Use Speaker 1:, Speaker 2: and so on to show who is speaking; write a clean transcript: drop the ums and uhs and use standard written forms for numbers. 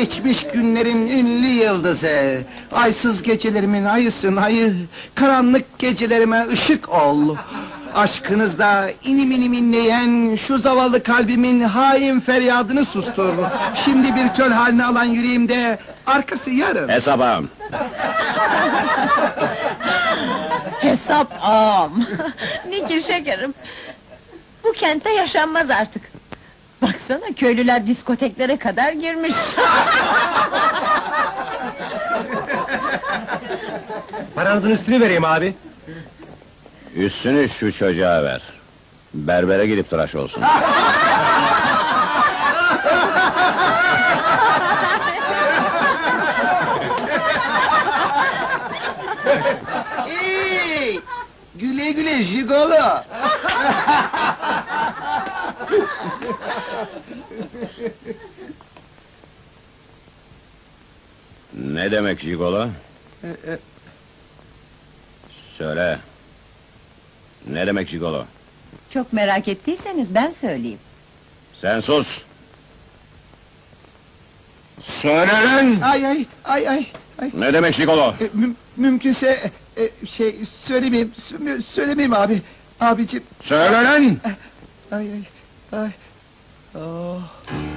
Speaker 1: geçmiş günlerin ünlü yıldızı. Aysız gecelerimin ayısın ayı, karanlık gecelerime ışık ol. Aşkınızda inim inim inleyen şu zavallı kalbimin hain feryadını sustur. Şimdi bir çöl haline alan yüreğimde arkası yarın.
Speaker 2: Hesap ağam.
Speaker 3: Hesap ağam! Nikir şekerim! Bu kentte yaşanmaz artık! Baksana, köylüler diskoteklere kadar girmiş!
Speaker 4: Paranızın üstünü vereyim abi.
Speaker 2: Üstünü şu çocuğa ver. Berbere gidip tıraş olsun.
Speaker 1: Hey! Güle güle jigolo!
Speaker 2: Ne demek jigolo? Söyle. Ne demek jigolo?
Speaker 3: Çok merak ettiyseniz ben söyleyeyim.
Speaker 2: Sen sus! Söyle lan!
Speaker 1: Ay ay ay ay!
Speaker 2: Ne demek jigolo?
Speaker 1: Mümkünse söylemeyeyim abi. Abicim,
Speaker 2: Söyle lan!
Speaker 1: ay ay ay. Oh.